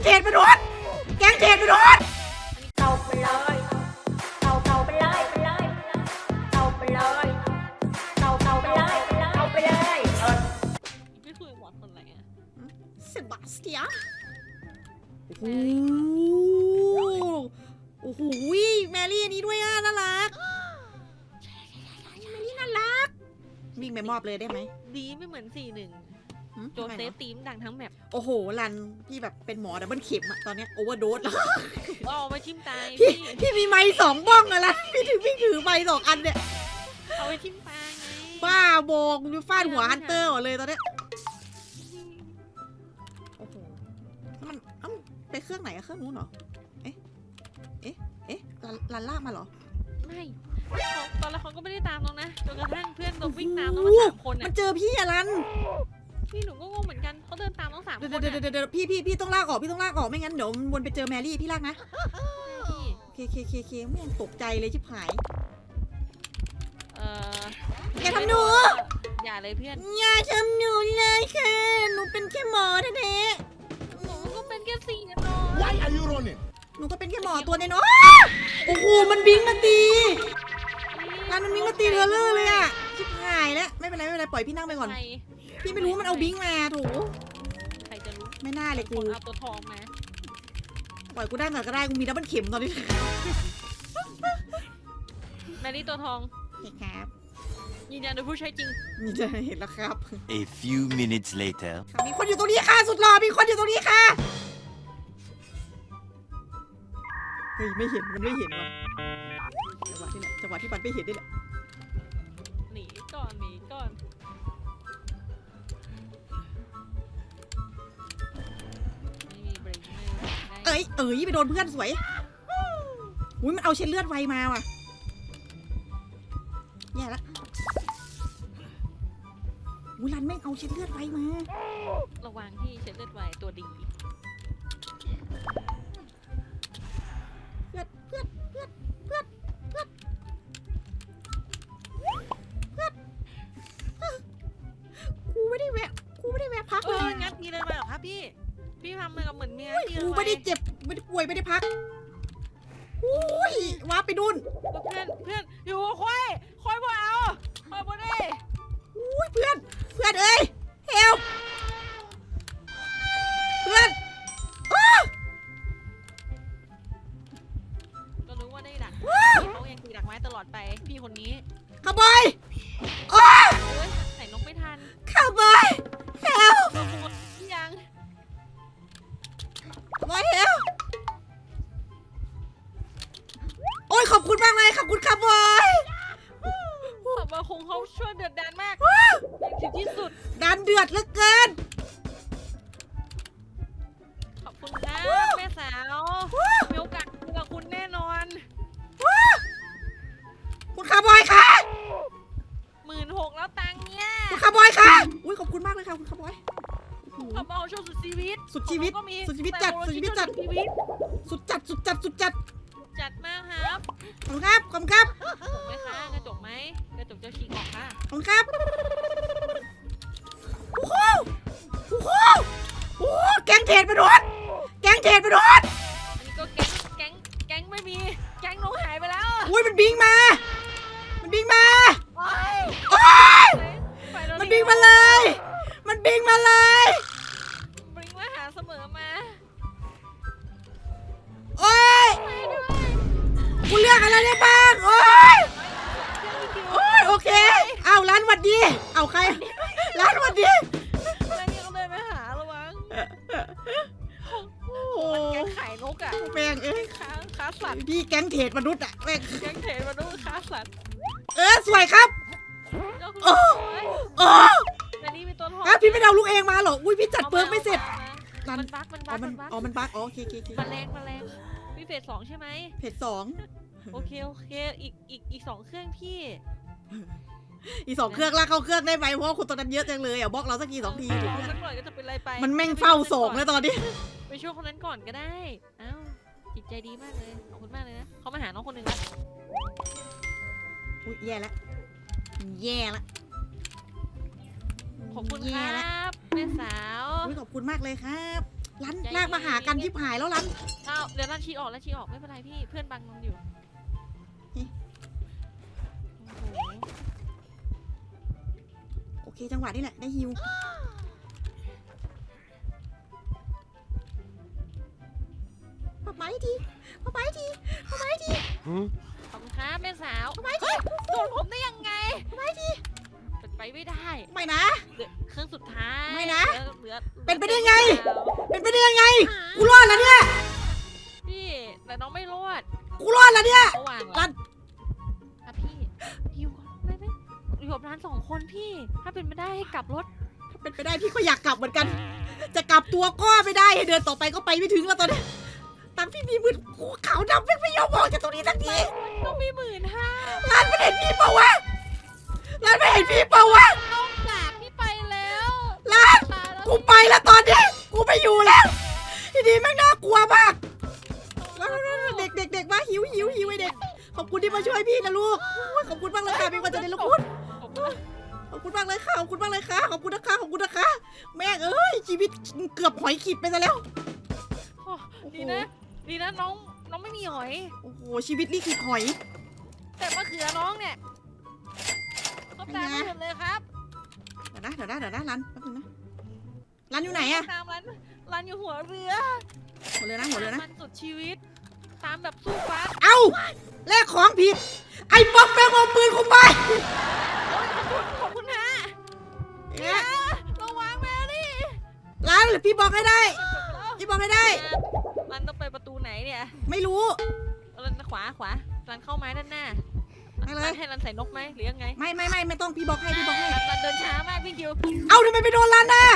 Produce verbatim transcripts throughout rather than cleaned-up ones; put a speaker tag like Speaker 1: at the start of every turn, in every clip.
Speaker 1: เทรดมนุษย์แก๊งเทรดมนุษย์เต่าไปเลยเต่าเต่าไปเลยไปเลยเต่าไปเลยเต่าเต่าไปเลยเต่าไปเลย
Speaker 2: ไม่คุยกับหมอคนไหนอะ
Speaker 1: เซบาสเตียนโอ้โหโอ้โหแมรี่อันนี้ด้วยอ่ะน่ารักแมรี่น่ารักวิ่งไปมอบเลยได้ไหม
Speaker 2: ดีไม่เหมือนสี่หนึ่งโจเซฟตีมดังทั้งแมป
Speaker 1: โอ้โหรันพี่แบบเป็นหมอดับเบิลเข็มอะตอนนี้โอเวอร์โดสแล้ว
Speaker 2: เอาไปทิ่มตาย
Speaker 1: พี่พี่มีไม้สองบ้องอะไรพี่ถือพี่ถือไม้สองอันเนี่ย
Speaker 2: เอาไปทิ่มตายไง
Speaker 1: บ้าโบกดูฟาดหัวฮันเตอร์หมดเลยตอนนี้โอ้โหมันเอ้าไปเครื่องไหนอะเครื่องนู้นเหรอเอ๊ะเอ๊ะเอ๊ะรันลากมาเหรอ
Speaker 2: ไม่ตอนแรกเขาก็ไม่ได้ตามน้องนะจนกระทั่งเพื่อนเราวิ่งตามน้องมาสามคน
Speaker 1: มันเจอพี่อะรัน
Speaker 2: พี่หนูก็งงเหมือนกันเขาเดินตามน้องสามคน
Speaker 1: เดี๋ยวเดี๋ยวเดี๋ยวพี่พี่พี่ต้องลากออกพี่ต้องลากออกไม่งั้นเดี๋ยววนไปเจอแมรี่พี่ลากนะเคเคเคเคไม่ยังตกใจเลยชิบหาย
Speaker 2: เออ
Speaker 1: อย่าทำหนู
Speaker 2: อย่าเลยเพื่อน
Speaker 1: อย่าทำหนูเลยค่ะหนูเป็นแค่หมอแท้
Speaker 2: ๆหนูก็เป็นแค่สี่เนาะ
Speaker 3: Why are you running
Speaker 1: หนูก็เป็นแค่หมอตัวน้อยโอ้โหมันบิงมาตีรันมันบิงมาตีเธอเลยอะชิบหายแล้วไม่เป็นไรไม่เป็นไรปล่อยพี่นั่งไปก่อนพี่ไม่รู้มันเอาบิงมาถู
Speaker 2: ใครจะรู้
Speaker 1: ไม่น่าเลยกู
Speaker 2: เอาตัวทองมา
Speaker 1: ปล่อยกูได้หน่อยก็ได้กูมีดับเบิลเข็มตอนนี้
Speaker 2: แมรี่ตัวทอง
Speaker 1: เห็นครับ
Speaker 2: ยืนยันโดยผู้ใช้จริง
Speaker 1: นี่จะเห็นแล้วครับ
Speaker 3: A few minutes later
Speaker 1: มีคนอยู่ตรงนี้ค่ะสุดหล่อมีคนอยู่ตรงนี้ค่ะเฮ้ยไม่เห็นมันไม่เห็นว่ะจังหวะที่เนี่ยจังหวะที่มันไม่เห็นนี่แหละ
Speaker 2: หนีก่อนหนีก่อน
Speaker 1: เอ้ยเอ้ยไปโดนเพื่อนสวยอุ้ยมันเอาเช็ดเลือดไวมาว่ะแย่ละอุ้ยรันแม่งเอาเช็ดเลือดไวมา
Speaker 2: ระวังที่เช็ดเลือดไวตัวดี
Speaker 1: เพื่อนเพื่อนเพื่อนเพื่อนเพื่อนเพื่อนกูไม่ได้แวะกูไม่ได้แวะพักเลย
Speaker 2: งั้นพี่เลยมาหรอครับพี่พี่ทำมือกับเหมือนเมีย
Speaker 1: กูไม่ได้เจ็บไม่ได้ป่วยไม่ได้พักอุ้ยว้าไปดุน
Speaker 2: เพื่อนเพื่อนอยู่ค่อยค่อยบ่เอาค่อยบ่ได้
Speaker 1: อุ้ยเพื่อนเพื่อนเอ้ยเฮลเพื่อน
Speaker 2: ก็รู้ว่าได้ดักเขายังตีดักไม้ตลอดไปพี่คนนี้
Speaker 1: ขบอยโอ้ย
Speaker 2: ใส่นกไม่ทัน
Speaker 1: ขบอยเฮล
Speaker 2: ยัง
Speaker 1: ขบอยเฮลโอ้ยขอบคุณมากเลยขอบคุณขบอย
Speaker 2: ขบอยคงเขาช่วยเดือดดันมากถึงที่สุด
Speaker 1: ดันเดือดเหลือเกิน
Speaker 2: ขอบคุณนะแม่สาวมีโอกาสคุยกับคุณแน่นอน
Speaker 1: คุณขบอยค่ะ
Speaker 2: หมื่นหกแล้วตังค์เนี่ย
Speaker 1: คุณขบอยค่ะอุ้ยขอบคุณมากเลยค่ะคุณขบอย
Speaker 2: ขบอยโชว์สุดชีวิต
Speaker 1: สุดชีวิตสุดชีวิตจัดสุดชีวิตจัดสุดจัดสุดจัดสุดจัด
Speaker 2: จัดมากครับ
Speaker 1: ขอบคุณครับขอบคุณครับ
Speaker 2: ถูกไหมคะกระจกไหมกระจกจะฉีกออกค่ะ
Speaker 1: ขอบคุณครับโอ้โหโอ้โหโอ้โหแก๊งเทรดมนุษย์แก๊งเทรดมนุษย์
Speaker 2: อันนี้ก็แก๊งแก๊งแก๊งไม่มีแก๊งน้องหายไปแล้ว
Speaker 1: อุ้ยมันบิงมามันบิงมา
Speaker 2: โอ้ย
Speaker 1: โอ้ยมันบิงมาเลยมันบิงมาเลย
Speaker 2: บิงมาหาเสมอมา
Speaker 1: โอ้ยกูเลือกอะไรได้บ้างโอ้ยโอ้ยโอเคเอาร้านวัดดีเอาใครร้านวัดดี
Speaker 2: แล้วนี่ก็เลยไปหาระวังโอ้มันแก๊งขายนกอะ
Speaker 1: แม่งเอ้ย
Speaker 2: ค้าค้าสัตว์
Speaker 1: พี่แก๊งเทรดมนุษย์อะแม่ง
Speaker 2: แก๊งเทรดมนุษย์ค้าสัตว์
Speaker 1: เออสวยครับโอ้โอ้
Speaker 2: แต่นี่มีตัวทอง
Speaker 1: พี่ไม่เอาลูกเองมาหรออุ้ยพี่จัดเปิร์กไม่เสร็จ
Speaker 2: มันบั๊กมันบั๊ก
Speaker 1: มันอ๋อมันบั๊กอ๋อโอเคโอเค
Speaker 2: มันแรงมันแรงพี่เฟสสองใช่ไหม
Speaker 1: เฟสสอง
Speaker 2: โอเคโอเคอีกอีกอีกสองเครื่องพี่
Speaker 1: อีสองเครื่องลากเข้าเครื่องได้ไหมเพราะคนตอนนั้นเยอะจังเลยอ่ะบล็อกเราสักกี่สองที
Speaker 2: ถูกไหมสักหน่อยก็จะเป็นไรไป
Speaker 1: มันแม่งเฝ้าสองแล้วตอนนี้
Speaker 2: ไปช่วยคนนั้นก่อนก็ได้อ้าวจิตใจดีมากเลยขอบคุณมากเลยนะเขามาหาน้องคนหนึ่งแล้ว
Speaker 1: อุ้ยแย่แล้วแย่แล้ว
Speaker 2: ขอบคุณครับแม่สาว
Speaker 1: ขอบคุณมากเลยครับร้านลากมาหากันชิบหายแล้วลัน
Speaker 2: อ้าวเดี๋ยวลั่นชี้ออกลั่นชี้ออกไม่เป็นไรพี่เพื่อนบังมันอยู่
Speaker 1: นี่
Speaker 2: โอ้โห
Speaker 1: โอเคจังหวะนี้แหละได้ฮิวป๊าป๊าทีป๊าป๊าทีป๊าป๊าที
Speaker 2: ขอบคุณครับแม่สาว
Speaker 1: ป๊าป๊าที
Speaker 2: โดนผมได้ยังไง
Speaker 1: ป๊าป๊าที
Speaker 2: เป็นไปไม่ได้
Speaker 1: ไม่นะ
Speaker 2: เหลือเครื่องสุดท้าย
Speaker 1: ไม่นะ
Speaker 2: เหลือเหลือ
Speaker 1: เป็นไปได้ไง เป็นไปได้ยังไงกูรอดแล้วเนี่ย
Speaker 2: พี่แต่น้องไม่รอด
Speaker 1: กูรอดแล้วเนี่ย
Speaker 2: เขาวาง
Speaker 1: ลัน
Speaker 2: อ่ะพี่อยู่ก่อนไม่ไม่อยู่กับร้านสองคนพี่ ถ้าเป็นไม่ได้ให้กลับรถ
Speaker 1: เป็นไปได้พี่ก็อยากกลับเหมือนกัน จะกลับตัวก็ไม่ได้ให้เดินต่อไปก็ไปไม่ถึงแล้วตอนนี้ตามพี่มีมือกูขาวดำไม่ไม่ยอมบอกจากตรงนี้สักที
Speaker 2: ต้องมีหมื่นห้า
Speaker 1: ร้านไม่เห็นพี่เปล่าวะร้านไม่เห็นพี่เปล่าวะ
Speaker 2: ต้องจากพี่ไปแล้ว
Speaker 1: ร้าน
Speaker 2: ตายแล้ว
Speaker 1: กูไปแล้วตอนนี้กูไม่อยู่แล้วทีนี้แม่งน่ากลัวมากเด็กเด็กเด็กมาหิวหิวหิวไอเด็กขอบคุณที่มาช่วยพี่นะลูกขอบคุณมากเลยค่ะเป็นวันจะได้ลูกคุณ
Speaker 2: ขอบคุณนะ
Speaker 1: ขอบคุณมากเลยค่ะขอบคุณมากเลยค่ะขอบคุณนะคะขอบคุณนะคะแม่งเอ้ยชีวิตเกือบหอยขีดไปซะแล้ว
Speaker 2: โอ้ดีนะ ดีนะน้องน้องไม่มีหอย
Speaker 1: โอ้โหชีวิตนี่ขีดหอย
Speaker 2: แต่มะเขือน้องเนี่ยก็ตามไม่หมดเลยครับ
Speaker 1: เดี๋ยวนะเดี๋ยวนะเดี๋ยวนะรันแป๊บนึงนะรันอยู่ไหนอะ
Speaker 2: ตามร้านร้านอยู่หัวเรือ
Speaker 1: หัวเรือนะหัวเรือนะ
Speaker 2: มันสุดชีวิต ตามแบบสู้ฟัด
Speaker 1: เอ้าแลกของผิดไอ้ป๊อกแม่งเอาปืนกูไป
Speaker 2: โอ้ยขอบคุณขอบคุณฮะ
Speaker 1: เนี่ย
Speaker 2: ระวังแมรี่
Speaker 1: ร้านหรือพี่บอกให้ได้พี่บอกให้ได้
Speaker 2: มันต้องไปประตูไหนเนี่ย
Speaker 1: ไม่รู้
Speaker 2: รันขวาขวารันเข้าไม้ด้านหน้า
Speaker 1: ไปเลย
Speaker 2: รันให้รันใส่นกไหมหรือยังไง
Speaker 1: ไม่ไม่ไม่ไม่ต้องพี่บอกให้พี่บอกให้
Speaker 2: รันรันเดินช้ามากพี่คิว
Speaker 1: เอ้าทำไมไปโดนรันน่ะ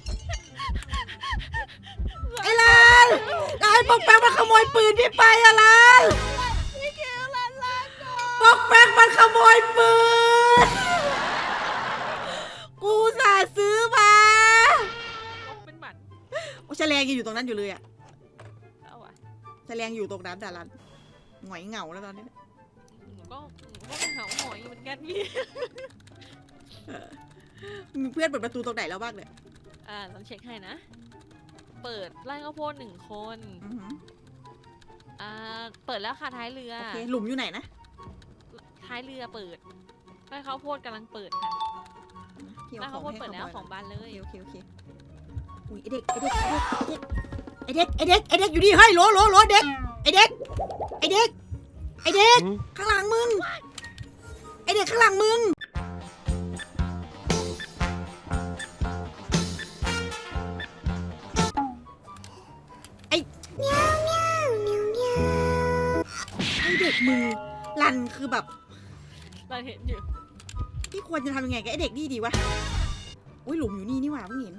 Speaker 1: ไอ้รันไอ้ป๊อกแป๊กมันขโมยปืนพี่ไปอะรัน
Speaker 2: พี่คิวรันรันก่อน
Speaker 1: ป๊อกแป๊กมันขโมยปืนกูอุตสาห์ซื้อมาน
Speaker 2: กเป็นหมัน
Speaker 1: โอ้แฉลงยังอยู่ตรงนั้นอยู่เลยอะ
Speaker 2: เอาอะ
Speaker 1: แฉลงอยู่ตรงนั้นแต่รันหงอยเหงาแล้วตอนนี้
Speaker 2: หนูก็หนูก็ไปหาหอยเหมือนกันพี่
Speaker 1: มีเพื่อนเปิดประตูตรงไหนแล้วบ้างเนี่ย
Speaker 2: อ่าลองเช็คให้นะ เปิดไร่ข้าวโพดหนึ่งคน
Speaker 1: อือหือ
Speaker 2: อ่า เปิดแล้วค่ะท้ายเรือ
Speaker 1: โอเคหลุมอยู่ไหนนะ
Speaker 2: ท้ายเรือเปิดไร่ข้าวโพดกำลังเปิดค่ะ
Speaker 1: พี่
Speaker 2: ไร่
Speaker 1: เอาข
Speaker 2: ข้า
Speaker 1: อ
Speaker 2: ว
Speaker 1: ง
Speaker 2: โพด
Speaker 1: ให้
Speaker 2: เปิด
Speaker 1: เขา
Speaker 2: แล้ว
Speaker 1: บ่อย
Speaker 2: ของบ้านเลย
Speaker 1: โอเคโอเคอุ้ยไอเด็กไอเด็กไอเด็กไอเด็กไอเด็กอยู่นี่เฮ้ยโหลโหลโหลเด็กไอเด็กไอเด็กไอเด็กข้างหลังมึงไอเด็กข้างหลังมึงไอเมียวเมียวเมียวเมียวไอเด็กมึงลันคือแบบ
Speaker 2: เราเห็นอยู่
Speaker 1: พี่ควรจะทำยังไงกับไอเด็กนี่ดีวะอุ้ยหลุมอยู่นี่นี่หว่าเพิ่งเห็น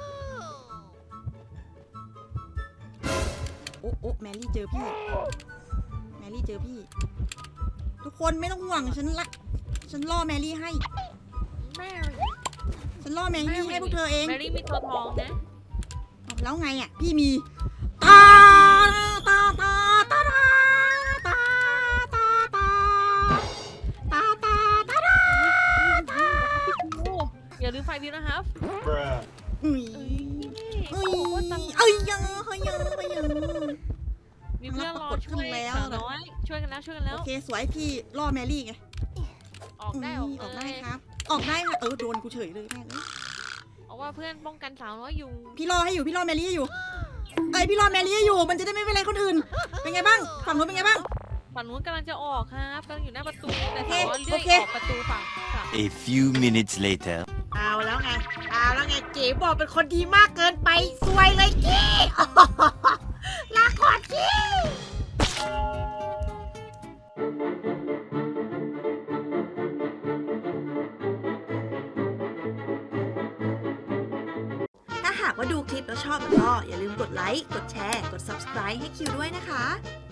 Speaker 1: โอ้โอ้แมรี่เจอพี่แมรี่เจอพี่ ทุกคนไม่ต้องห่วงฉันละฉันล่อแมรี่ให้
Speaker 2: แม่
Speaker 1: ฉันล่อแมรี่ให้พวกเธอเอง
Speaker 2: แมรี่มีตัวทองนะ
Speaker 1: แล้วไงอ่ะพี่มีตาตาตาตาตาตาตาตาตาตาตาตา
Speaker 2: โอ้อย่าลืมไฟวิวนะครับ
Speaker 3: Bruh.
Speaker 1: อุ้ย
Speaker 2: เอ้ย
Speaker 1: อุ้
Speaker 2: โอ้โหตัง
Speaker 1: ยเอ้ยยังเฮ้ยยังเฮ้ยยัง
Speaker 2: มีเพื่อนรอ
Speaker 1: ปรากฏขึ้
Speaker 2: ช่วน ย
Speaker 1: แล้ว
Speaker 2: สาวน้อย ช่วยกันแล้วช่วยกันแล้
Speaker 1: โอ
Speaker 2: ว
Speaker 1: เคสวยพี่ล่อแมรี่ไง
Speaker 2: ออกได้ออก
Speaker 1: ออก
Speaker 2: เล
Speaker 1: ได้
Speaker 2: ย
Speaker 1: ครับ ออกได้ค่ะเออโดนกูเฉยเลยแม่งเอ้ย
Speaker 2: เพราะว่าเพื่อนป้องกันสาวน้อยอยู่
Speaker 1: พี่รอให้อยู่พี่รอแมรี่ให้อยู่เอ้ยพี่รอแมรี่ให้อยู่มันจะได้ไม่เป็นไรคนอื่น เป็นไงบ้างฝั่งนู้นเป็นไงบ้าง
Speaker 2: ฝั่งนู้นกำลังจะออกครับกำลังอยู่หน้าประตูแต่
Speaker 1: โอเค
Speaker 2: สาวน้อยเลื่อย
Speaker 1: โอเค
Speaker 2: ออกประตูฝั่งฝั่ง
Speaker 3: A few minutes later.
Speaker 1: เอาแล้วไงเอาแล้วไงเก๋บอกเป็นคนดีมากเกินไปซวยเลยกี้ ลาก่อนกี้ถ้าหากว่าดูคลิปแล้วชอบก็อย่าลืมกดไลค์ กดแชร์ กด ซับสไครบ์ ให้คิวด้วยนะคะ